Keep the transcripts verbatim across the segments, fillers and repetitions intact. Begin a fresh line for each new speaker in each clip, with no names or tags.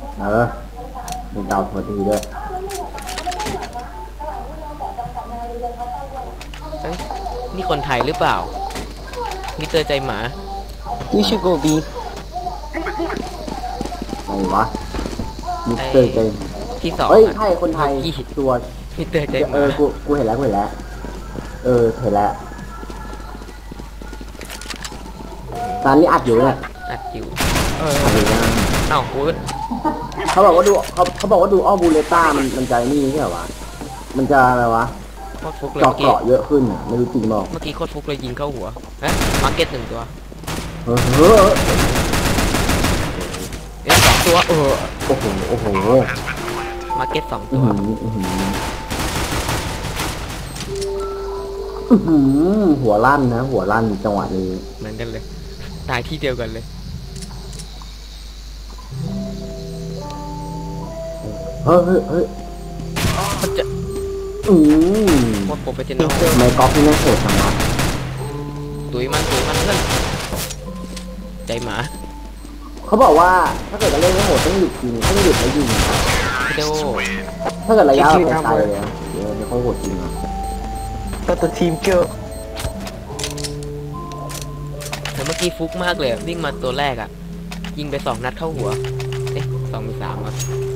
เออมีดาวพอดีด้วย
เอ้ยนี่คนไทยหรือเปล่ามิสเตอร์ใจหมา
You should go B
ไหนวะมิสเตอร์ใจ
ที่สอง
เฮ้ย
อะ
ใช่คนไทย
ยี่
ตัว
มิสเตอร์ใจห
เอ
มา
อกูกูเห็นแล้วกูเห็นแล้วเออเห็นแล้วตอนนี้อัดอยู่เนี่ย
อัดอยู่เออ
อัดอยู่นะ
เอ้าพูด
เขาบอกว่าดูเขาเขาบอกว่าดูอ้อบูเลต้ามันมันใจนี่ใช่เหรอวะมันจะอะไรวะ
โคตรฟุกเลย
เจาะ
เมื่อกี้
เกาะเยอะขึ้นอ่ะไม่รู้จริงบอก
เมื่อกี้โคตรฟุกเลยยิงเข้าหัวฮะมาร์เก็ตหนึ่งตัว
เออเออ
เอ้ยสองตัวเออ
โอ้โหโอ้โห
มาร์เก็ตสอง
อื
ตั
อ
ว
หืออือหืออื้อหือหัวลั่นนะหัวลั่นจังหวะนี้
เหมือนกันเลยตายที่เดียวกันเลย
เฮ้ยเฮ้ยเฮ้ย
มันจะ
อืม
โคตรโปรเฟชชั่นอล
ทำไมกอล์ฟที่นั่งโหดจังวะ
ตุยมันตุยมันเพื่อนใจหมา
เขาบอกว่าถ้าเกิดจะเล่นไม่โหดต้องหยุดยิงต้องหยุดแล้วยิง
พี่โด
ถ้าเกิดระยะแบบไกลๆเลยนะเดี๋ยวไม่ค่อยโหดจริงอ่ะ
But the team kill
แต่เมื่อกี้ฟุกมากเลยวิ่งมาตัวแรกอ่ะยิงไปสองนัดเข้าหัวเอ๊ะสองหรือสามวะ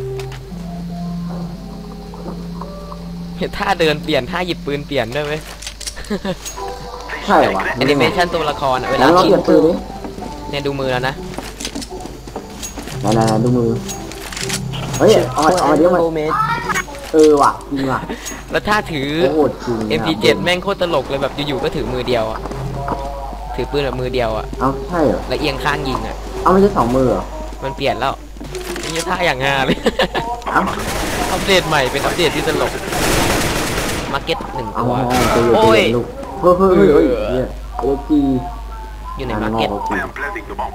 เห็นท่าเดินเปลี่ยนท่าหยิบปืนเปลี่ยนด้วยไหม
ใช่วะ
แอนิเมชันตัวละครอ่ะเวลา
แล้วเรา
ยิ
เปลี่ยนปืนดิ
เนี่ยดูมือแล้วนะ
ไหนๆๆดูมือเฮ้ยเอามาเอามาเดี๋ยวมา
Go mid
เออว่ะจริงว่ะ
แล้วท่าถือ
โหดจริง
เอ็ม พี เจ็ด แม่งโคตรตลกเลยแบบอยู่ๆก็ถือมือเดียวอ่ะถือปืนแบบมือเดียวอ่ะ
เอาใช่เหรอ
แล้วเอียงข้างยิงอ่ะ
เอาไม่ใช่สองมือเหรอ
มันเปลี่ยนแล้วนี่ท่าอย่างงาเลย
เอา
อัปเดตใหม่เป็นอัปเดตที่ตลกมาร์เก็ตหนึ่ง
เอา
ตัว
โอ้ยลูกเฮ้ยเฮ้ยเฮ้ยเฮ้ยเนี่ยเอจี
อยู่ในมาร์เก็ต
I am planting the bomb.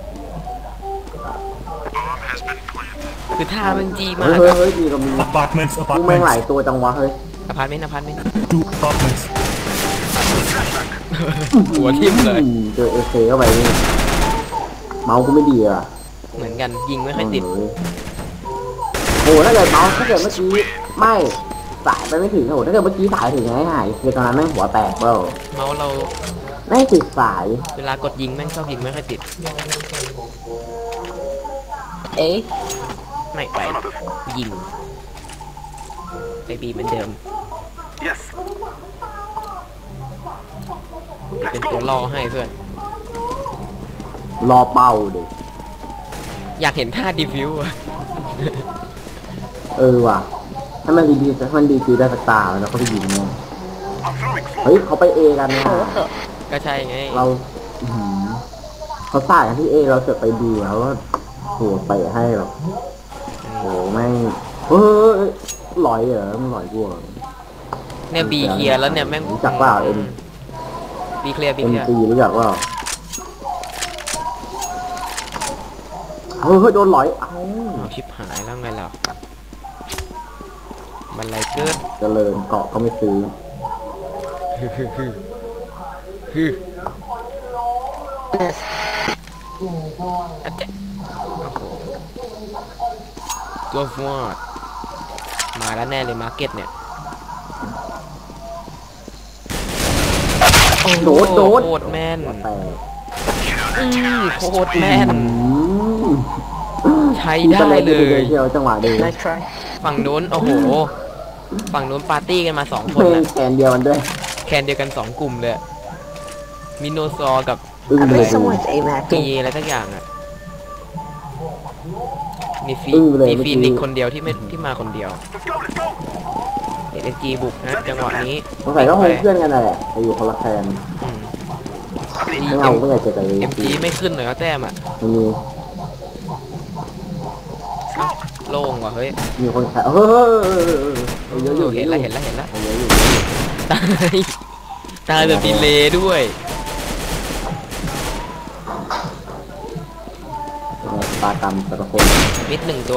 Bomb has been planted.
คือท่ามันจีมา
เฮ้ย
ก
เฮ้ย
อะ
เฮ้ยดีก็มี
Apartments,
กูแม่งห
apartments,
ลายตัวจังวะเฮ้ย
อพาร์ตเมนต์อพาร์ตเมนต์
two apartments.
หัวทิ่มเลย
อืมเจอเอเคเข้าไปนี่เมาส์กูไม่ดีอ่ะ
เหมือนกันยิงไม่ค่อยติด
โอ้ยโอ้โหถ้าเกิดเมาส์ถ้าเกิดเมื่อกี้ไม่สายไปไม่ถึงโอ้โหถ้าเกิดเมื่อกี้สายถึงไงหายคือตอนนั้นแม่งหัวแตกเปล่า
เมาส์เรา
ไม่ติดสาย
เวลากดยิงแม่งชอบยิงไม่ค่อยติด
A
ไม่ไปยิงไปบีเหมือนเดิม
Yes.
เป็นตัวล่อให้เพื่อน
รอเป่าดิ
อยากเห็นท่าดีฟิวอะ
เออว่ะถ้ามันดีๆถ้ามันดีๆได้สักตาแล้วเขาไปยิงเนี่ย
I'm throwing
เฮ้ยเขาไปเอกันเนี่ย
ก็ใช่ไง
เราอื้อหือเขาสายกันที่เอเราเสือกไปดีแล้วก็โหไปให้หรอกโหแม่งเฮ้ยหลอยเหรอมันหลอยกูเหรอ
เนี่ยบีเคลียร์แล้วเนี่ยแม่ง
รู้จักเปล่าเอ็ม
บีเคลียร์บี
เอ็
เค
ม
ลียร์
ซีรู้จักเปล่าเฮ้ยเฮ้ยโดนหลอยเอ้า
เอาชิบหายแล้วไงล่ะมันไรเกิด
เจริญเกาะก็ไม่ซื้อ
ฮึฮึฮึฮึอะเจ๊ะโอ้โหตัวฟอดมาแล้วแน่เลยมาร์เก็ตเนี่ยโอ้โห
โดดโดด
โคตรแม่น
หัวแตก
อืมโคตรแม่น
อืม
ใช้ได้เลย
เที่ยวจังหวะเดียว
Nice try
ฝั่งนู้นโอ้โห ฝั่งนู้นปาร์ตี้กันมาสองคน
เพลง
นะ
แขนเดียวกันด้วย
แคนเดียวกันสองกลุ่มเลยมิโนซอร์กับ
อึ้ง
I
เลย
bet
ดู
someone's aim
ปี
hacking
อะไรสักอย่างอ่ะมีฟี
อึ้งเลย
มี
เมื่อกี้
ฟีนิกซ์คนเดียวที่ไม่ที่มาคนเดียว
Let's go, let's go.
เอ็นจีบุกนะจังหวะนี้
สงสัยก็คงเพื่อนกันนั่นแหละไปอยู่คนละแคน
อืม
ไม่เอาไม่อยากเจอกันเลย
เอ็มจีไม่ขึ้นเลยก็แต้มอ่ะ
มันมี
เอ้าโล่งว่ะเฮ้ย
มีคนแคร์เฮ้ยเยอะอยู่
เห็นแล้วเห็นแล้วเห็นแล้ว
เยอะอยู่
ตายตายแบบดีเลย์ด้วย
ปากรรมแต่ละคน
มิดหนึ่งตัว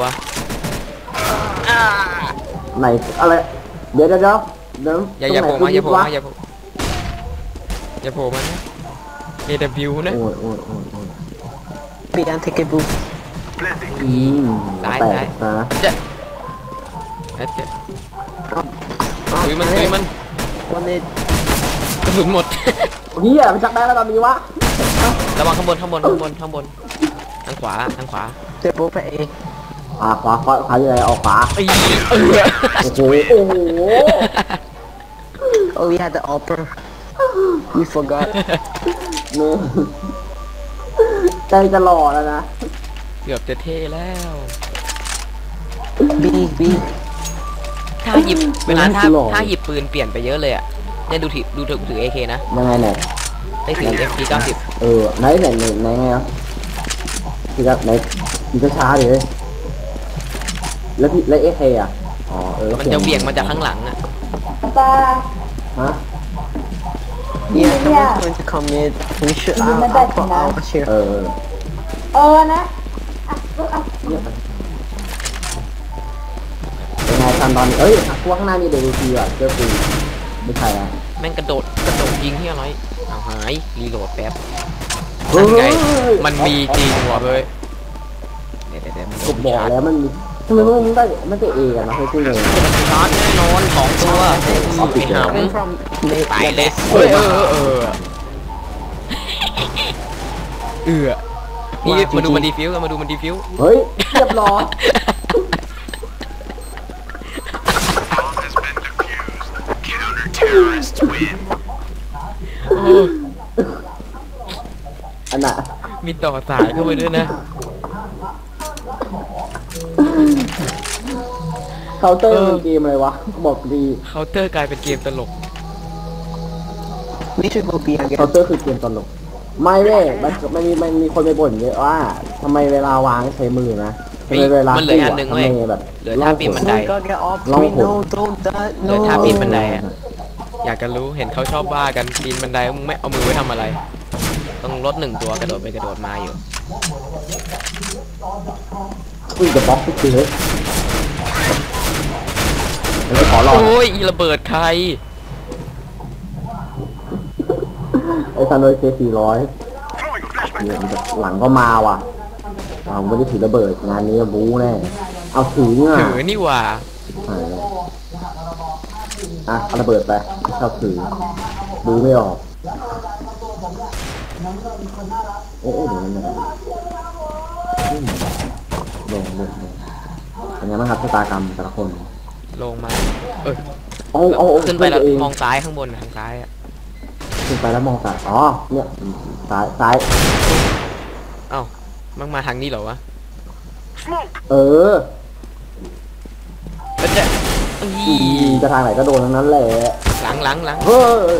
ไหนอะไรเดี๋ยวเดี๋ยวเดี๋ยวเดี๋ยว
อย่าอย่าโผล่มาอย่าโผล่มาอย่าโผล่อย่าโผล่มานะ เอ ดับเบิลยู นะ
โอ้ยโอ้ยโอ้ยโอ้ย
B and take a boost
Planting.
อืม
ซ้าย
แต
ซ้าย
กนะ
เจ๊ะเอ๊ะเจ๊ะตุยมันตุยมัน
One hit.
กระสุนหมด
เฮียมันจักได้แล้วตอนนี้วะ
ระวังข้างบนข้างบนข้างบนข้างบนทางขวาทางขวา
They're both at A.
ขวาขวาขวาขวาอยู่ไหนออกขวา
ไอ้เออ
โอ้โหโอ้โห
Oh, we had the upper. We forgot.
นี่ใจจะหล่อแล้วนะ
เกือบจะเท่แล้ว
B, B.
ถ้าหยิบเวลาถ้า
หล่อ
ถ้าหยิบปืนเปลี่ยนไปเยอะเลยอ่ะเนี่ยดูถือดูถือถือ เอ เค นะ
ยังไงเนี่ย
ได้ถือ เอฟ พี เก้าสิบ
เออไหนไหนไหนไหนไงอ่ะพี่ครับไหนพี่ช้าๆดิแล้วพี่แล้วเอเคอ่ะอ๋อเออ
มันจะเบี่ยงมาจากข้างหลังอ่ะ
ฮะ
Yeah, someone's going to come in. We should. I'll, I'll put all the share.
เออ
เออนะ
เป็นไงตอนตอนนี้เอ้ยพวกข้างหน้ามีเดลิทีอ่ะเจอปืนไม่ใช่อ่ะ
แม่งกระโดดกระโดดยิงที่อะไรเอาหายรีโหลดแป๊บ
เฮ้
นั่นไง
ย
มันมีจริงว่ะเฮ้ยเดี๋ยวเดี๋ยวเดี๋ยวมัน
กบบอกแล้วมันมีทำไมพวกมึงได้ไม่ได้เอกันนะเฮ้ยพูดเลย
ชาร์จแน่นอนสองตัวไอ้ห
Coming from
ำ
the
ตายเลย
yeah,
เฮ้ยเออเออเออเออนี่มาดูมันดีฟิวกันมาดูมันดีฟิว
เฮ้ยเรียบร้อย
Bomb has been defused. Counter-terrorists win.
อันน่ะ
มีต่อสายเข้าไปด้วยนะ
เคาน์เตอร์เป็นเกมอะไรวะบอกดี
เคาน์เตอร์กลายเป็นเกมตลก
we should go B
เคาน์
again.
เตอร์คือเกมตลกไม่เว้ยมันมันมีมันมีคนไปบ่นเยอะว่าทำไมเวลาวางใช้มือนะทำไมเวลา
มันเหลืออันหนึ่งเว้ย
ทำไมแบบ
เหลือท่าปีนบันได
Oh my God, get off
Long
me!
hole.
No, don't that.
เหลือ
No.
ท่าปีนบันไดอะอยากจะรู้เห็นเขาชอบว่ากันปีนบันไดมึงไม่เอามือไว้ทำอะไร ต้องลดหนึ่งตัวกระโดดไปกระโดดมาอยู่
อุ้ยจะบล็อกทุกทีเลยมันจะขอลอง
โอ้ยอีระเบิดใคร
ไอ้ซันโดยเคสี่ร้อย
Throwing a flashbang.
เนี่ยมันจะหลังก็มาว่ะเราไม่ได้ถือระเบิดงานนี้บู๊แน่เอาถือเนี่ย
ถือนี่หว่า
หายเลยอ่ะเอาระเบิดไปไม่ชอบถือบู๊ไม่ออกเอ๊ะเดี๋ยวมันอืมลงลงลงเป็นไงบ้างครับชะตากรรมแต่ละคน
ลงมา เออ
เอาเอาเอา
ขึ้นไปแล้ว
ตัวเอง
มองซ้ายข้างบนน่ะทางซ้ายอ่ะ
ขึ้นไปแล้วมองซ้ายอ๋อเนี่ยซ้ายซ้าย
เอ้ามันมาทางนี้เหรอวะ
Smoke.
เออ
แล้วจะอี
ยิงจะทางไหนก็โดนทั้งนั้นแหละ
หลังหลังหลัง
เฮ้ย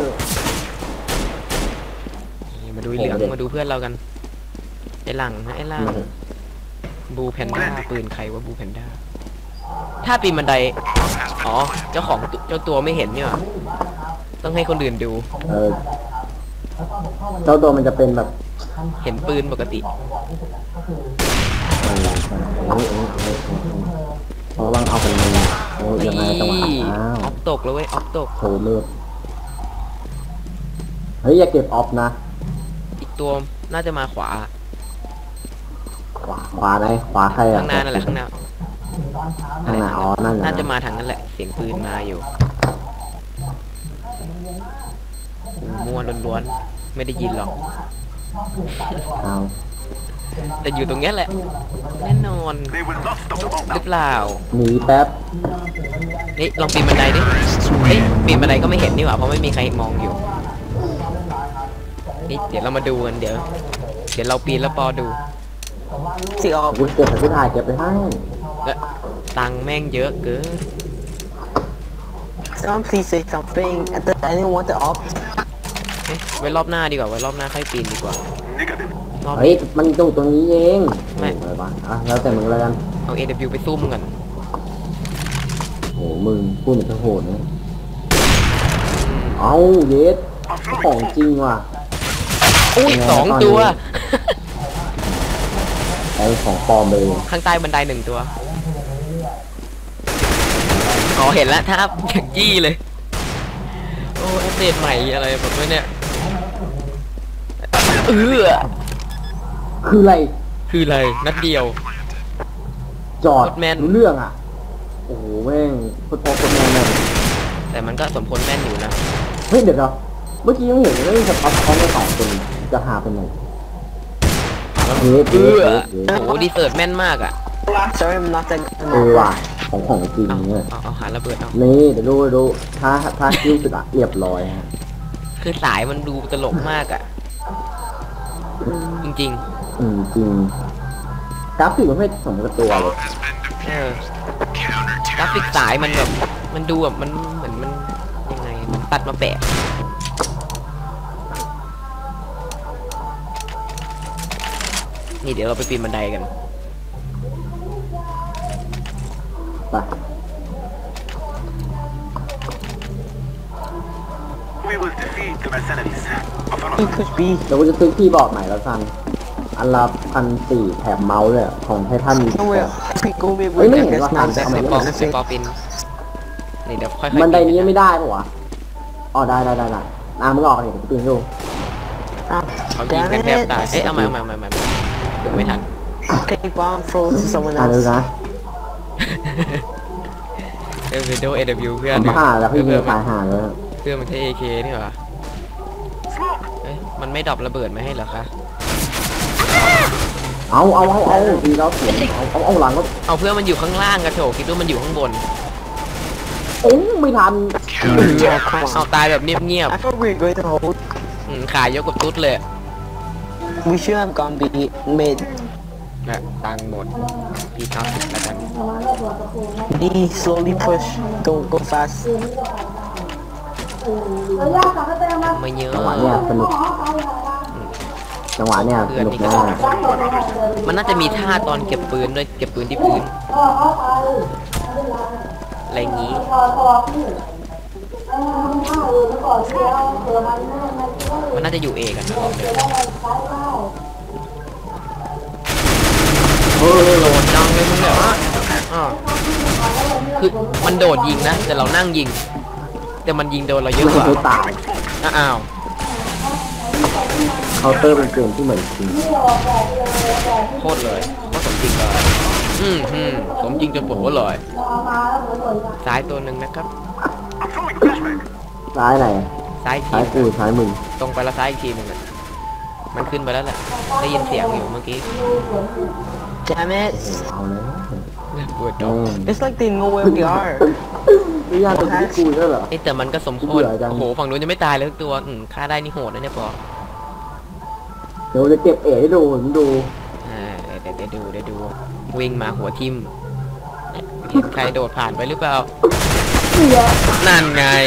นี่มาดูไอ้เหลืองมาดูเพื่อนเรากัน ไอ้หลังนะไอ้หลังบูแพนด้าปืนใครวะบูแพนด้าถ้าปีนบันได อ๋อ เจ้าของตุเจ้าตัวไม่เห็นนี่หว่าต้องให้คนอื่นดู
เออเจ้าตัวมันจะเป็นแบบ
เห็นปืนปกติ
เออเออเออเออเออเพราะว่าเอาเป็นโอ้ยยังไงจังหวะ
นี่
อ้าว
ออฟตกแล้วเว้ยออฟตก
โชว์เลือดเฮ้ยอย่าเก็บออฟนะ
อีกตัวน่าจะมาขวา
ขวาขวาไหนขวาใครอ่ะ
ข้างหน้านั่นแหละข้างหน้า
ข้างหน้าอ๋อนั่นแหละ
น่าจะมาทางนั้นแหละ เสียงปืนมาอยู่โอ้มั่วล้วนๆไม่ได้ยินหรอก
เอา
แต่อยู่ตรงเนี้ยแหละ แน่นอน
They will not stop the bomb
หรือ
now.
เปล่า
หนีแป๊บ
นี่ลองปีนบันไดดิเฮ้ยปีนบันไดก็ไม่เห็นนี่หว่าเพราะไม่มีใครมองอยู่ นี่เดี๋ยวเรามาดูกันเดี๋ยว เดี๋ยวเราปีนแล้วปอดู
See
ขอบ
off.
คุณเก็บใส่ที่ถ่ายเก็บไปให้
แล้วตังค์แม่งเยอะเกิน
Someone please say something. I th- I didn't want the off.
เอ๊ะไว้รอบหน้าดีกว่าไว้รอบหน้าค่อยปีนดีกว่า
Negative.
รอบ
เฮ้ย
นี้
มันอยู่ตรงนี้เอง
ไม่
อะไรวะอ่ะแล้วแต่มึงแล้วกัน
เอา เอ ดับเบิลยู ไปซุ่มกัน
โหมึงพูดเหมือนจะโหดนะเอาเยส
I'm
ขอ
throwing.
งจริงว่ะ
อุ้ย
ยังไง
สอง
ตอนนี้
ตัว
ไอ้ของปลอมเลย
ข้างใต้บันไดหนึ่งตัว อ๋อเห็นแล้วท่าอย่างยี่เลย โอ้อัปเดตใหม่อะไรแบบนี้เนี่ยเออ
คืออะไร
คืออะไร นัดเดียว
จอด
โคตรแม่น
รู้เรื่องอ่ะโอ้โหแม่งโคตรโคตรแม่นเลย
แต่มันก็สมควรแม่นอยู่นะ
เฮ้ยเดี๋ยวเดี๋ยวเมื่อกี้ยังเห็นเลยสปัตเขาไม่สองคนจะหาเป็นไงเฮ้ย
เอ
เฮ้ย
อ
เฮ้ย
โอ้โหดีเซิร์ตแม่นมากอ่ะ
Sorry, I'm not that
เออว่ะของของจริง
เอา
เนี่ย
เอาเอาหาระเบิดเอา
นี่เดี๋ยวดูดูถ้าถ้าคิ้วสุดอะเรียบร้อยฮะ
คือสายมันดูตลกมากอ่ะ จริง
อืมจริงกราฟิกมันไม่สมกับตัวเลย
ๆ เออกราฟิกสายมันแบบมันดูแบบมันเหมือนมันยังไงมันตัดมาแปะนี่เดี๋ยวเราไปปีนบันไดกัน
ไป
We will defeat the mercenaries. Of an
you push B.
เดี๋ยวกูจะซื้อคีย์บอร์ดใหม่แล้วกันอันละพันสี่แถมเมาส์เลยของไททันมี
Nowhere. I go with
Wait,
with
wait,
this
what
man.
happened?
ไอ้
ทำไม
ปอ
ไม่
ไอ้ปอปีนนี่เดี๋ยวค่อยๆ
บันไดนี้
ปีกั
ไม่ได้ปะวะอ๋อได้ได้ได้ได้น้ำมึงออกเนี่ยกูปีนดู
Ah,
เขายิง
damn
กันแทบ
it.
ตายเอ๊ะเอามาเอามาเอามาเอามาเดี๋ยวไม่ทัน
Okay, bomb throw to someone
อ่านดู
else.
นะ
เอลเวโดเอวเพื่อน
ทำผ่าแล้วพี่
เพื่
มี
อน
ตายห่าเลย
เพื่อนมันใช้ เอ เค นี่หว่า
smoke.
เอ้ยมันไม่ดรอประเบิดมาให้เหรอคะ
เอาเอาเอาเอาดีแล้วเสียงเอาเอาเอาหลังก็
เอาเพื่อนมันอยู่ข้างล่างกระโถคิดว่ามันอยู่ข้างบน
โอ้ไม่ทัน
เอาตายแบบเงียบ
I thought we were going to hold.
ๆอืมขายยกกับตุ๊ดเลย
We should have gone B mid.
นะตังค์หมดพี่เก้าสิบแล้วกัน
B slowly push. Don't go fast.
ไม่เยอะ
จังหวะเนี้ยสนุกจังหวะเนี้ยสนุกมาก
มันน่าจะมีท่าตอนเก็บปืนด้วยเก็บปืนที่พื้นอะไรอย่างงี้ มันน่าจะอยู่เอกันนะลองดู
เออ
โดดจังเลยมึงเนี่ยอ่าคือมันโดดยิงนะแต่เรานั่งยิง แต่มันยิงโดนเราเยอะ
ไม่
กว่า
เคยตาย
อ้าว
เคาน์เตอร์เป็นเกมที่เหมือนจริง
โคตรเลยว่าสมจริงเลยอืมอืมสมจริงจนปวดหัวเลยซ้ายตัวหนึ่งนะครับ
I'm throwing flashbang.
ซ้ายไหน
ซ้ายที
ซ้ายกูซ้ายมึง
ตรงไปแล้วซ้ายอีกทีหนึงอะมันขึ้นไปแล้วแหละได้ยินเสียงอยู่เมื่อกี้
Damn it.
เอาเลย
ปวด
โอ้
ดอก
It's like they know where we are.
ไม่ยากตรงที่กูด้วยเหรอ
ไอ้แต่มันก็สมควร
เบื่อจัง
โอ้โหฝั่งนู้นยังไม่ตายเลยทุกตัวอืมฆ่าได้นี่โหดนะเนี่ยปอ
เดี๋ยวจะเก็บเอ๋ให้ดูผมดู
อ่าเดี๋ยวเดี๋ยวดูเดี๋ยวดูวิ่งมาหัวทิ่มเห็นใครโดดผ่านไปหรือเปล่านั่นไง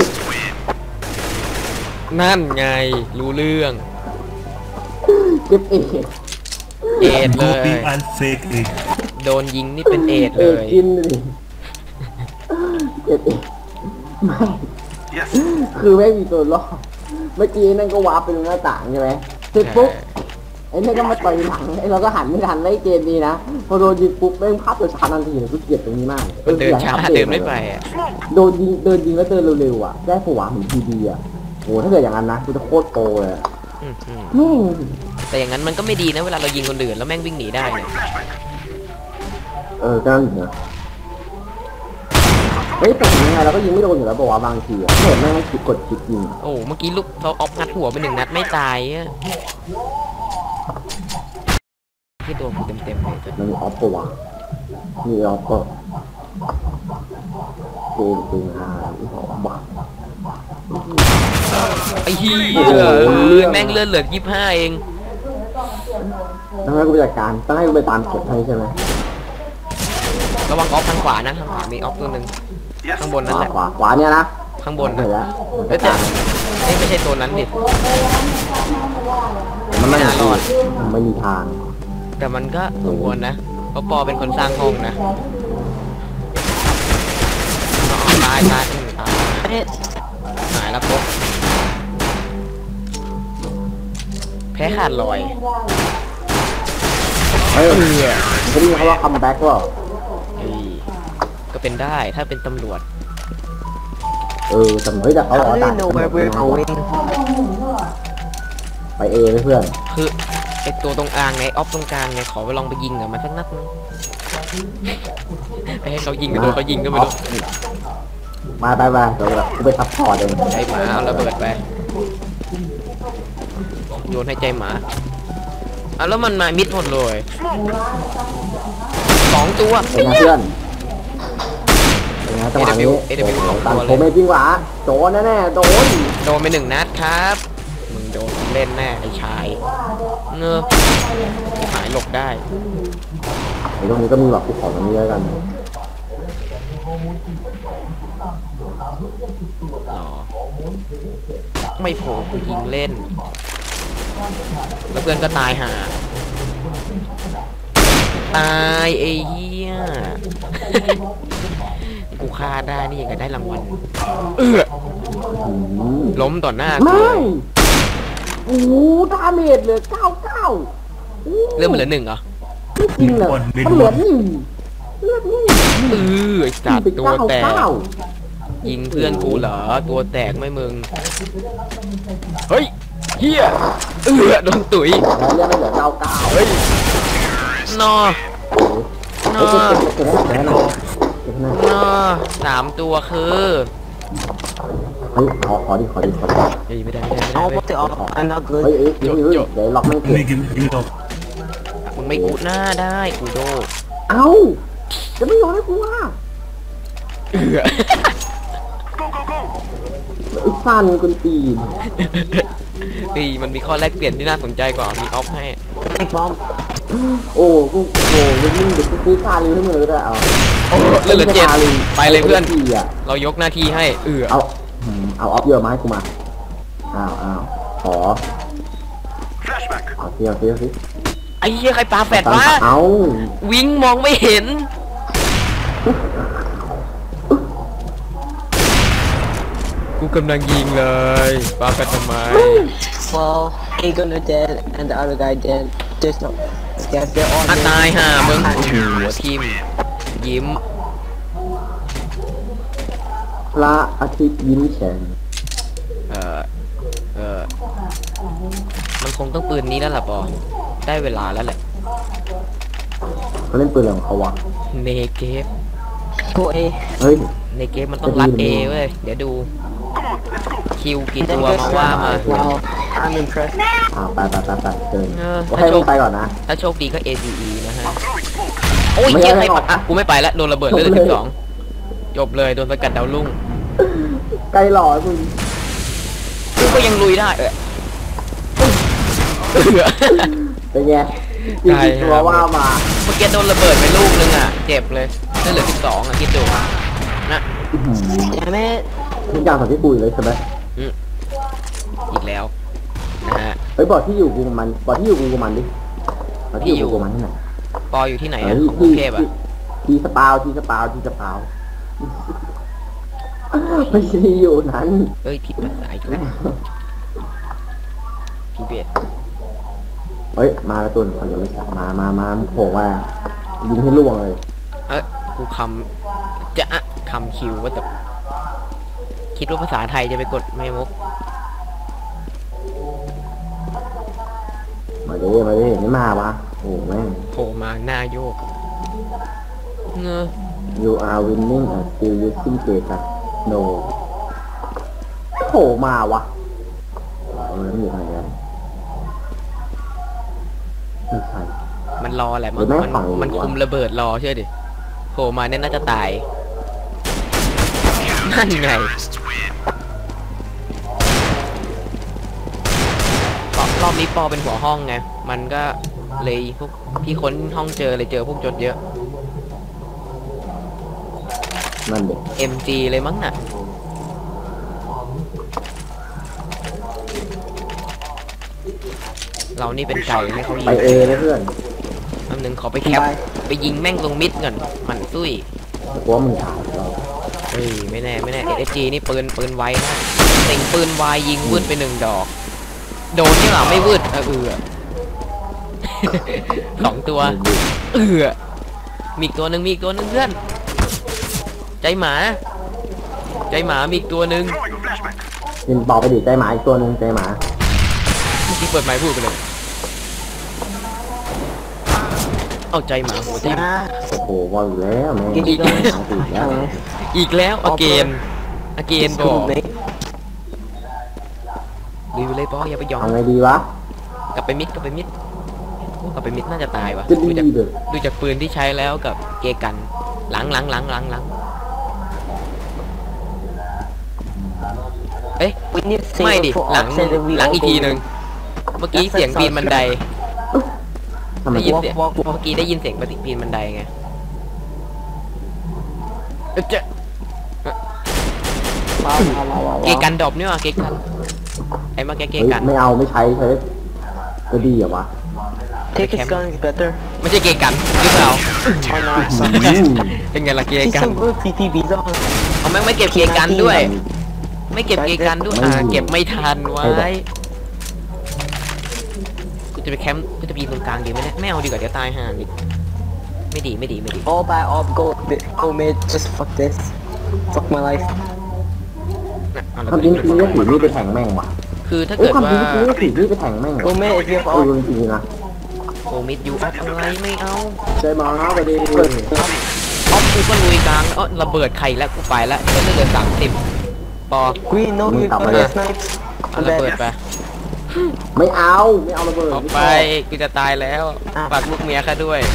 นั่นไงรู้เรื่อง
เก็บเอ๋
เอดเล
Gopi
ย
and fake egg.
โดนยิงนี่เป็นเอด
เอ๋
เลย
กินดิเก็บเอ๋ไม่
Yes.
คือไม่มีตัวรอดเมื่อกี้นั่นก็วาร์ปไปตรงหน้าต่างใช่ไหมเสร็จปุ๊บไอ้นี่นก็มาต่อยหลังไอ้เราก็หันไม่ทันไล่เกมดีนะพอโดนยิงปุ๊บแม่งภาพตัวชาทันทีเลยกูเกลียดตรงนี้มาก
มันเดินช้า
อยกให้อัป
เดินไม่ไปอ่ะ
โดนยิงเดินยิงแล้วเดินเร็วๆอ่ะได้ผัวเหมือนทีดีอ่ะโหถ้าเกิดอย่างนั้นนะกูจะโคตรโตเลยอะ
อืมอืม
แม่ง
แต่อย่างนั้นมันก็ไม่ดีนะเวลาเรายิงคนอื่นแล้วแม่งวิ่งหนีได้เนี่ย
เออก็นั่นอยู่นะเฮ้ยแต่ยังไงเราก็ยิงไม่โดนอยู่แล้วบอกว่าบางทีอ่ะเห็นแม่งคิดกดคิดยิง
โอ้เมื่อกี้ลูกเขาออฟงัดหัวไปหนึ่งนัดไม่ตายอะที่ตัวกูเต็มๆเลยตัว
มันมีออฟปะวะมีออฟก็เกมจริงอ่ะออฟบ้า
ไอ้เหี้ย
โอ้โห
แม่งเลื่อนเหลือยี่สิบห้าเอง
ต้องให้กูไปจัดการต้องให้กูไปตามเก็บให้ใช่ไหม
ระวังออฟทางขวานะทางขวามีออฟตัวหนึ่ง
Yes.
ข้างบน
ข
นั่น
วา
แหละ
ขวาขวาเนี่ยนะ
ข้างบน
เห็
นะ
นแล้ว
เอ้ยแต่เอ้ยไม่ใช่ตัวนั้นดิ
มันไม่
ไม่น่ารอด
มันไม่มีทาง
แต่มันก็สมควรนะเพราะปอเป็นคนสร้างห้องนะอ๋อตายตายอืมตาย
Damn it.
หายแล้วปุ๊บแพ้ขาดลอย
เฮ้ยเขาเรียกเขาว่าคัมแบ็กว่า
เฮ้ยก็เป็นได้ถ้าเป็นตำรวจ
เออแต่เฮ้ยแต่เขาบอก
How
ว่า
do
ต่า
they
ง
know where we're going?
ไปเอไหมเพื่อน
คือไอตัวตรงกลางไงออฟตรงกลางไงขอไปลองไปยิงกับมันสักนัดนึงไปให้เขายิงกันโดนเขายิงก็ไม่รู้
มาไปไปเดี๋ยวแบบกูไปซัพพอร์ตเอง
ใจหมาเอาระเบิดไปโยนให้ใจหมาอ่ะแล้วมันมามิดหมดเลยสองตัว
เป็นไงเพื่อนเป็นไงจังหวะนี้
เอ ดับเบิลยู สองตั
ตั
ว
น
เลย
โคเมจริงหวะโดนแน่ๆโดน
โดนไปหนึ่งนัดครับมึงโดนเล่นแน่ไอ้ชายเงือหายหลบได้
ไอ้ตรงนี้ก็มีแบบกูขอตรงนี้แล้วกัน
อ๋อไม่โผล่กูยิงเล่น แล้วเพื่อนก็ตายห่าตายไอ้เหี้ย กูฆ่าได้นี่ยังไงได้รางวัลเออ
อืม
ล้มต่อหน้ากู
ไม่โอ้โหดาเมจเหลือเก้าเก้า
เรื่องมันเหลือหนึ่งเหรอ
ไม่จริงเลยมันเหลือหนึ่งเลือดนี่
เออไอ้จัด
ไป
ตัว
เก้า
แตก
เก้า
ยิงเพื่อนกูเหรอตัวแตกไหม่มึงเฮ้ยเฮียเออโดนตุ๋ย
แล้วเลือดไม่เหลือเก้าเก้า
เฮ้ยนอ น
เฮ้ย
อ
เก็บเก็บเก็บให้หน่อยเก็บให้หน่อยเก็บให้หน่อย
นอสามตัวคือ
เฮ้ยขอขอดิขอดิขอดิ
เฮ้ยไม่ได้ไม่ได้ไม่ได้
Oh,
เว้ย
what the? Oh, I'm not
เฮ้ย
good.
เอ้ยเฮ้ยเฮ้ยเดี๋ยวล็อกไม่เก็บ
มึงไม่กูหน้าได้กูโด
เอ้าจะไม่ยอมให้กูว่า
เออ
Go, go, go!
ไอ้ฟันกุนตีน
ปีมันมีข้อแลกเปลี่ยนที่น่าสนใจกว่ามีออฟให้
Big bomb.
โอ้กูโอ้ยมึงเดี๋ยวกูซื้อคาริวให้มึงเลยก็ได้เอา
โอ้เลือดเหลือเจ็ดไปเลยเพื่อน
ทีอ่ะ
เรายกหน้าที่ให้เออ
เอาอืมเอาออฟเยอะมาให้กูมาอ้าวอ้าวขอ
Flashback!
เอาเที่ยวเที่ยวสิ
ไอ้เหี้ยใครปาแฟดวะ
เอา
วิงมองไม่เห็น กูกำลังยิงเลยปาแฟดทำไม
Well, he gonna dead and the other guy dead. There's no. Yes, they're all
อ่ะ
dead.
ตายห่ามึงหัวทิมยิ้ม
พระอาทิตย์ยิ้มแฉ่ง
เออเออมันคงต้องปืนนี้แล้วล่ะปอได้เวลาแล้วแหละ
เขาเล่นปืนอะไรของเขาวะ
เนเกฟ
Go A.
เฮ้ย
ในเกมมันต้องรัดเอเว้ย เดี๋ยวดู คิวกี่
And
ตัว
then
มา
there's
ว่ามา
Wow, I'm impressed.
อ่าไปไปไปไปเชิญ
เออ
ก็ให้มึงไปก่อนนะ
ถ้าโชคดีก็ เอ ซี อี นะฮะ โอ้ย
ไม่
เหี้ย
ได้
ใคร
หร
ปะ
อก
อ่ะ กูไม่ไปแล้ว โดนระเบิดเลย
จบเลย
สิบสองจบเลย โดนสกัดดาวรุ่ง
ไกลหล่อมึง
กูก็ยังลุยได้เออเออ
เป็นไงจริงๆตัวว่ามา
เมื่อกี้โดนระเบิดไปลูกนึงอ่ะ เจ็บเลยนั่นเหลือสิบสองอ่ะคิดดูนะ
อื้อหือ
Damn it.
ทุกอย่างสับที่ปุยเลยใช่ไหม
อีกแล้วนะฮะ
เฮ้ยบอกที่อยู่กูกับมันบอกที่อยู่กูกับมันดิบอกที่อยู่กูกับมันที่ไหน
ปออยู่ที่ไหน
เฮ้
อ่ะ
ย
ของกรุ
ที่
งเทพอ่ะ
ที่ที่สปาวที่สปาวที่สปาวไม่ใช่ที่อยู่นั้น
เอ้ยผิดภาษาอีกแล้วพี่เบส
เฮ้ยมาแล้วตุนเขาจะไม่ใช่มามามาโผล่ว่ายิงให้ล่วงเลย
เอ้ยกูคำจะอะคำคิวว่าแต่คิดว่าภาษาไทยจะไปกดไม่มุก
มาดิมาดิไม่มาวะโอ้แม่ง
โผล่มาหน้าโยกเงอ
you are winning and still using data no โผล่มาวะเออมันอยู่ไหนกันไม่ใช่
มันรอแหละ
หรื
มัน
อแม่ง
มัน
ฝั่งหรือ
มัน
วะ
คุมระเบิดรอเชื่อดิโผล่มาเนี่ยน่าจะตายนั่นไงปอรอบนี้ปอเป็นหัวห้องไงมันก็เลยพวกพี่ค้นห้องเจอเลยเจอพวกจดเยอะ
นั่นเด็ก
เอ็ม จี เลยมั้งน่ะ เรานี่เป็นไก่ให้เขายิ
ไป
ง
เอนะเพื่อน
แป๊บนึงขอไปแคป ไปยิงแม่งตรงมิดก่อนหมันตุ้ย
กลัวมึงถ่ายเรา
เฮ้ย ไม่แน่ ไม่แน่ เอส จี นี่ปืนปืนไวนะเต็งปืนไวยิงวืดไปหนึ่งดอก โดนนี่หว่าไม่วืดเออเออ สองตัว เออมีอีกตัวหนึ่งมีอีกตัวหนึ่งเพื่อน ใจหมา ใจหมามีอีกตัวหนึ่ง
Throwing a flashback!
ยินบอกไปดิใจหมาอีกตัวหนึ่งใจหมา
เมื่อกี้เปิดไมค์พูดไปเลยเอาใจหมาหัวทิ่ม
Nah.
โอ้โหบอลอยู่แล้วแม่ง
Give me
ติด
those.
แล้ว
อีกแล้วอเกนอเกน
It's
บอก
cool, mate.
ลุยไปเลยปออย่าไปยอม
เอาไงดีวะ
กลับไปมิดกลับไปมิดโอ้กลับไปมิดน่าจะตายว่ะ
จะ
ดู
ดี
จาก
เลย
ดูจากปืนที่ใช้แล้วกับเกกันหลังหลังหลังหลังหลังเอ๊ะ
We need to
ไม่
save
ดิ
it for
หลัง
option that we
หลัง
all
อีกทีหนึ่ง
go
เมื่อกี้เสียงปีนบันได
ทำไม
ได้ยิน
walk,
เสียง
walk,
เมื่
walk.
อกี้ได้ยินเสียงปฏิปีนบันไดไงเอ๊ะเจ๊ะ
Wow, wow, wow, wow,
เก
wow.
กันดรอปนี่ว่ะเกกันไอ้มาแกเก
เฮ้ย
กัน
ไม่เอาไม่ใช้ใช้จะดีเหรอวะ
Take his gun is better.
ไม่ใช่เกกันหรือเปล่า
Oh no, it's
อื
not.
ม
เป็นไงล่ะเก
He's
กัน
so good, T P B zone.
เขาแม่งไม่เก็บเกกันด้วย ไม่เก็บเกกันด้วยอ่าเก็บไม่ทันไว้กูจะไปแคมป์กูจะไปยิงตรงกลางดีไหมเนี่ยไม่เอาดีกว่าเดี๋ยวตายห่าดิไม่ดีไม่ดีไม่ดี
All by all, go, go mid. Just fuck this. Fuck my life.
นะเอาละ
ทำจริงจริงก็ถือมีดไปแทงแม่งว่ะ
คือถ้า
เอ้ย
เกิด
ความ
ว่า
จริงก็ถือมีดไปแทงแม่ง
Go mid if you have
เออ
all.
จริงๆนะ
โอมิดยูออฟอะไรไม่เอา
ใช่มาไปดิ
ออฟกูก็ลุยกลางแล้วเอ้อระเบิดไข่แล้วกูไปแล้วก็เหลือสามสิบปอ
Green, no, you got the snipes.
เอา
I'm
ระเบิด
dead.
ไป
ไม่เอาไม่เอาระเบิด
ออกไปกูจะตายแล้วฝากลูกเมียข้าด้วย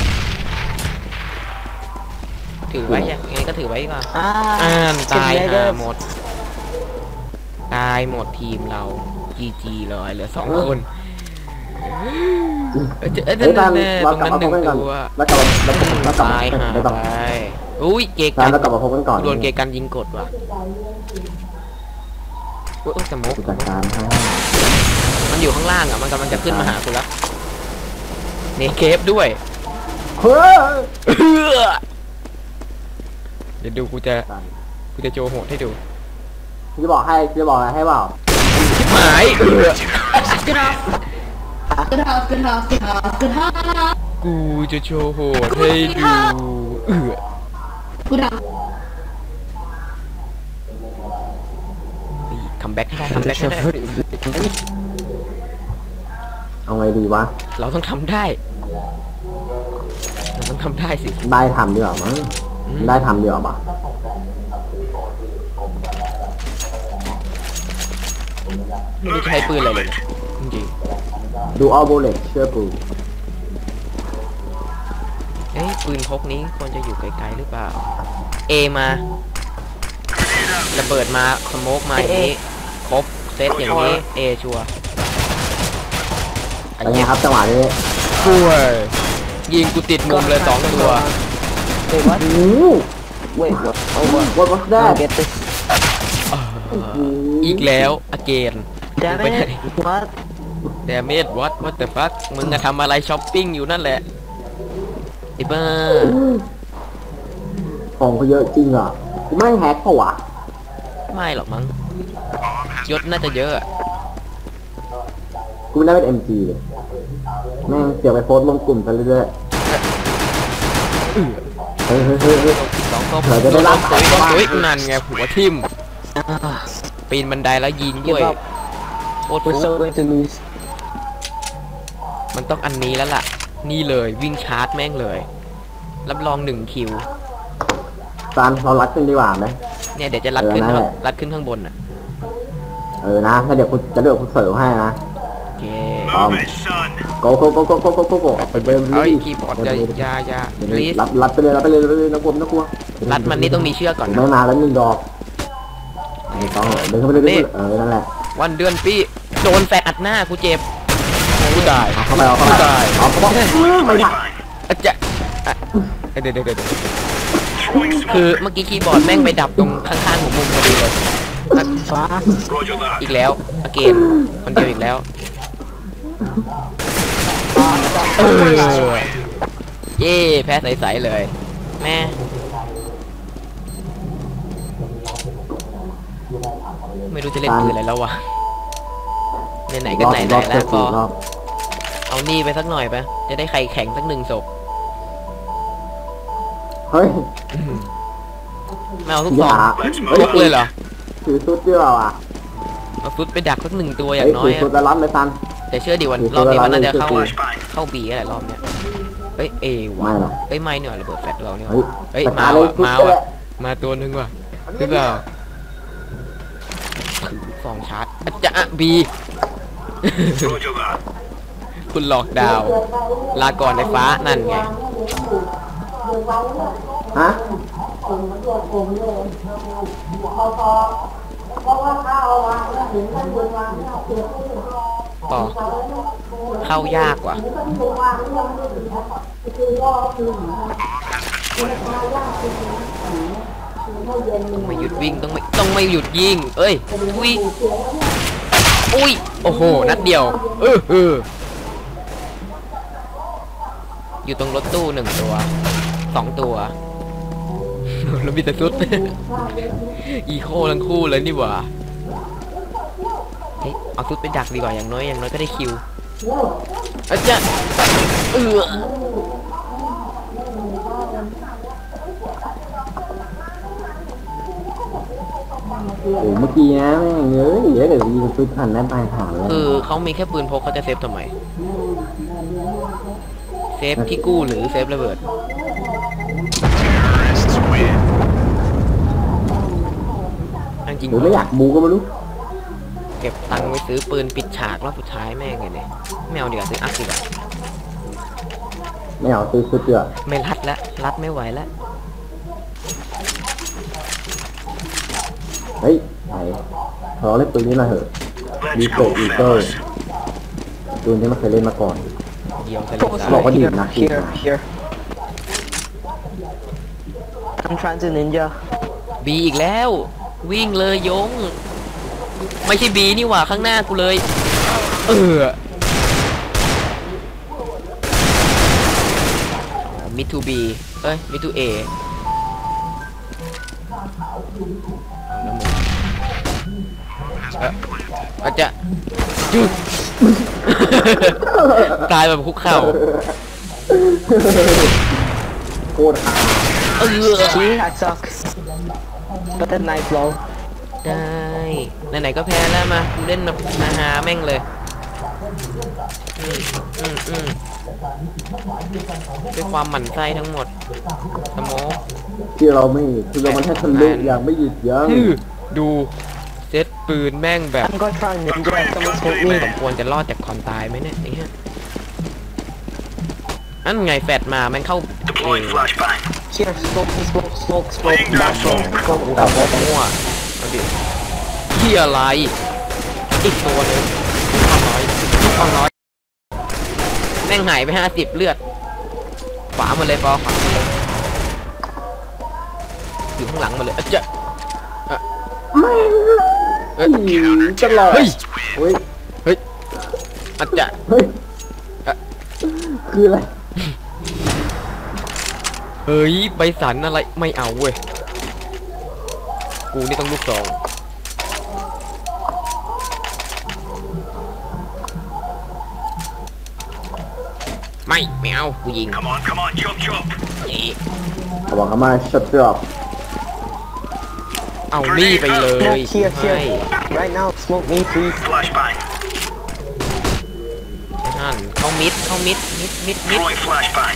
ถือไว้ยังไงก็ถือไว้ก่อน
Ah,
อ่านตาย
it's
ห่า
negative.
หมด ตายหมดทีมเราจีจีเลยเหลือสองคนเอ้ยเจอเอ้ย
เฮ้ย
นั่
ตาน
ๆๆ
เรา
ตรง
กลับ
นั้นห
มาพ
นึ่
บ
ง
กันก่อน
ตัว
แล้วกลับแล้วกลับแล้วกลับ
ตายห่า
แล้วกลับ
ไปอุ้ยเก
ตา
กัน
แล้วกลับมาพบกันก่อน
โดนเกกันยิงกดว่ะโอ้ยสมก
กูจัดการให้
มันอยู่ข้างล่างอ่ะมันกำลังจะขึ้นมาหาคุณแล้วเนเคฟด้วย
เฮ้ย
เดี๋ยวดูกูจะกูจะโจโหดให้ดู
จะบอกให้จะบอกอะไรให้เปล่า
ชิบหาย
Good house, good house, good house, good house.
กูจะโชว์โหดให้ดูเออ
Good house.
คัมแบ็กให้ได้คัมแบ็กให้ได้
เอาไงดีวะ
เราต้องทำได้ เราต้องทำได้สิ
ได้ทำดีกว่ามั้ง
อืม
ได้ทำดีกว่าปะ
ไม่รู้จะใช้ปืนอะไรเลยนะจริง
ดูออโบเลตเชื่อปู
ๆเอ้ยปืนพกนี้ควรจะอยู่ไกลๆหรือเปล่า เอมาระเบิดมาสโมกมาอย่างนี้ครบเซตอย่างนี้เอชัวร์ไอ้
เป็นไง
เหี้ย
ครับจังหวะนี้
ช่วยยิงกูติดมุมเลยสองตัว
Wait, what?
โอ้โห
Wait, what? Oh, what?
what was
I
that
don't get this.
อีกแล้วอเกน
Damn it. What?
เดเมดวัดวัดแต่ฟักมึงอะทำอะไรช้อปปิ้งอยู่นั่นแหละไอ้บ้า
ของเขาเยอะจริงอ่ะกูไม่แฮกเปล่าวะ
ไม่หรอกมั้งยศน่าจะเยอะอะ
กูไม่ได้เป็น เอ็ม จี เลยแม่งเสียไปโพสต์ลงกลุ่มซะเรื่อยๆเฮ้ยเฮ้ยเฮ้ยเฮ้ย
สองตัว
เผื่อจะได้รับ
ตุ้ยตุ้ยนั่นไงหัวทิ่ม
Ah,
ปีนบันไดแล้วยิงด้วย
give up.
โคตร
We're
ฟุก
so going to lose.
มันต้องอันนี้แล้วล่ะ นี่เลยวิ่งชาร์จแม่งเลย รับรองหนึ่งคิว
ซานเรารัดกันดีกว่าไหม
เนี่ยเดี๋ยวจะรัดขึ้น
เออนั่นแหละ
รัดขึ้นข้างบนอ่ะ
เออนะถ้าเดี๋ยวกูจะเดี๋ยวกูเสิร์ฟให้นะ
โอเค
Move it, son.
โกโกโกโกโกโกโกโกไปเบล
เอ้ย
ลี่
คีย์บอร์ดอยาอยาอยาลีส
รับรับไปเลยรับไปเลยรับไปเลยนักกลัวนักกลัว
รัดมันนี่ต้องมีเชือกก่อน
ผม
นะ
ไม่มาแล้วหนึ่งดอกไม่ต้องเดินเข้าไปเลยเดินเข้าไปเลยเออนั่นแหละ
วันเดือนปีโดนแฟนอัดหน้ากูเจ็บกูตาย
เอาเข้าไปเอาเข้าไป
กูตาย
เอาเข้าไปไม่ได้
อะจะอ่ะเดี๋ยวเดี๋ยวเดี๋ยวเดี๋ยวคือเมื่อกี้คีย์บอร์ดแม่งไปดับตรงข้างๆของมุมพอดีเลยอ่ะ
Roger that.
อีกแล้วอเกนคนเดียวอีกแล้วเออเย่แพ้ใสๆเลย แม่ไม่รู้จะเล่นปืนอะไรแล้ววะไหนๆก็ไหนๆแล้วก็
รอบ
เอานี่ไปสักหน่อยไปะจะได้ไข่แข็งสักหนึ่งศพ
เฮ้ย
ไม่เอาทุก
อ
สอย่าง
เฮ้ย
ทุกเลยเหรอ
ถือซุดเดียวอ่ะ
เอาฟุตไปดักสักหนึ่งตัวอ
เฮ้
ย่าย งน้อ
ถื
ย
อ
อะ
ซุดแล้วรับเลยซัน
แต่เชื่อดิวัน
ถือ
รอบนี้มันน่าจะ
ตัวละ
เข้า
ร้อย
เข้าบีอะไรรอบเนี้ยเอ้ยเอวะ
ไม่หรอก
เอ้ยไม่เนี่ยระเบิดแฟลชเราเนี่ย
เฮ้ย
เอ้ย
ส
มา
ตาร์เลย
ว่ะ
ทุบ
มา
ไป
ว่ะ
แหละ
มาตัวหนึงว่ะหรือเปล่าถือสองชาร์จอะจะอะบี
Roger that.
คุณหลอกดาว ลาก่อนในฟ้านั่นไง
ฮะ
ต่อ เข้ายากว่ะต้องไม่หยุดวิ่งต้องไม่ต้องไม่หยุดยิงเอ้ยวิ่งอุ้ยโอ้โหนัดเดียวเออเอออยู่ตรงรถตู้หนึ่งตัวสองตัว แล้วมีแต่ซุด อีโคทั้งคู่เลยนี่หว่าเฮ้ยเอาซุดไปดักดีกว่าอย่างน้อยอย่างน้อยก็ได้คิวอาจารย์เออ
โอ้เมื่อกี้นะแม่งเอ้ยเดี๋ยวเดี๋ยวยิงซุดทันได้ปลายหางเลย
คือเขามีแค่ปืนพกเขาจะเซฟทำไมเซฟที่กู้หรือเซฟระเบิด
Terrorists win.
จริง
หรือไม่อยากบูก็ไม่รู้
เก็บตังค์ไว้ซื้อปืนปิดฉากรอบสุดท้ายแม่งไงเนี่ยไม่เอาดีกว่าซื้ออัพดีกว่า
ไม่เอาซื้อซุดเดือ
ไม่รัดแล้วรัดไม่ไหวแล้ว
เฮ้ยไหนขอเล่นปืนนี้หน่อยเถอะ
Let's go, fellas.
ปืนที่ไม่เคยเล่นมาก่อน
เดียวทะเล
Focus
ทราย
บอกว่าดี
here,
นะดี
here,
นะ
here. I'm trying to ninja.
บีอีกแล้ว วิ่งเลยยง ไม่ใช่บีนี่หว่าข้างหน้ากูเลย เออมิทูบีเอ้ยมิทูเออาจจะจุด ตายแบบคุกเข่า
โคตรหา
เออ
See, I suck. But that knife blow.
ได้ไหนๆก็แพ้แล้วมากูเล่นแบบมาหาแม่งเลยอืมอืมอืมด้วยความหมั่นไส้ทั้งหมดสโมก
ที่เราไม่คือเรามันแค่ทะลุอย่างไม่หยุดยั้ง
คือดูเซตปืนแม่งแบบ
I'm gonna try ninja. Someone smoke
ส
me.
มควรจะรอดจากความตายไหมเนี่ยไอ้เหี้ยนั่นไงแฟดมาแม่งเข้าเอ
Deploying flashbang.
Here, smoke, smoke, smoke, smoke.
Laying down smoke.
กับมั่วเอาดิเหี้ยอะไรอีกตัวหนึงความน้อยความน้อยแม่งหายไปห้าสิบเลือดขวาหมดเลยปอขวาหมดเลยอยู่ข้างหลังหมดเลยอะเจ๊ะอะเอ้ย
ตลอด
เฮ้ย
เฮ้ย
เฮ้ยอะเจ๊ะ
เฮ้ยคืออะไร
เฮ้ยใบสันอะไรไม่เอาเว้ยกูนี่ต้องลูกสองไม่ไม่เอากูยิง
Come on, come on, chop chop.
นี่
เขาบอกเขามาช็อตดรอป
เอานี่ไปเลย
Smoke here,
ให้
here. Right now, smoke me, please.
Flashbang.
นั่นเข้ามิดเข้ามิดมิดมิดมิด
Throwing flashbang.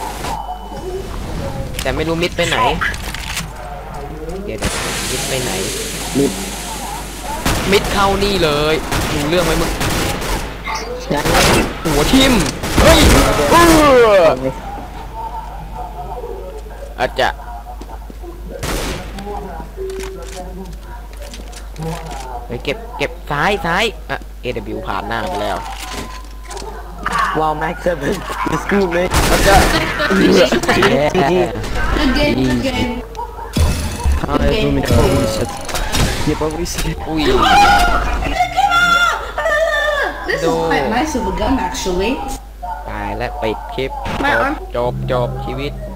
แต่ไม่รู้มิดไปไหน
Smoke.
เดี๋ยวเดี๋ยวมิดไปไหน
มิด
มิดเข้านี่เลยดูเรื่องไหมมึง
Yeah.
หัวทิ่มเฮ้ยเอออาจจะเฮ้ยเก็บเก็บซ้ายซ้ายอ่ะ เอ ดับเบิลยู ผ่านหน้าไปแล้ว
Wow, Max seven. It's cool, man.
อาจจะ
G G.
Good game, good game.
Ah,
Okay.
two minutes. Holy shit. Yeah, but we see.
อุ้ย
This is
No.
quite nice of a gun, actually.
ตายและปิดคลิป
My
จบ
arm.
จบจบชีวิต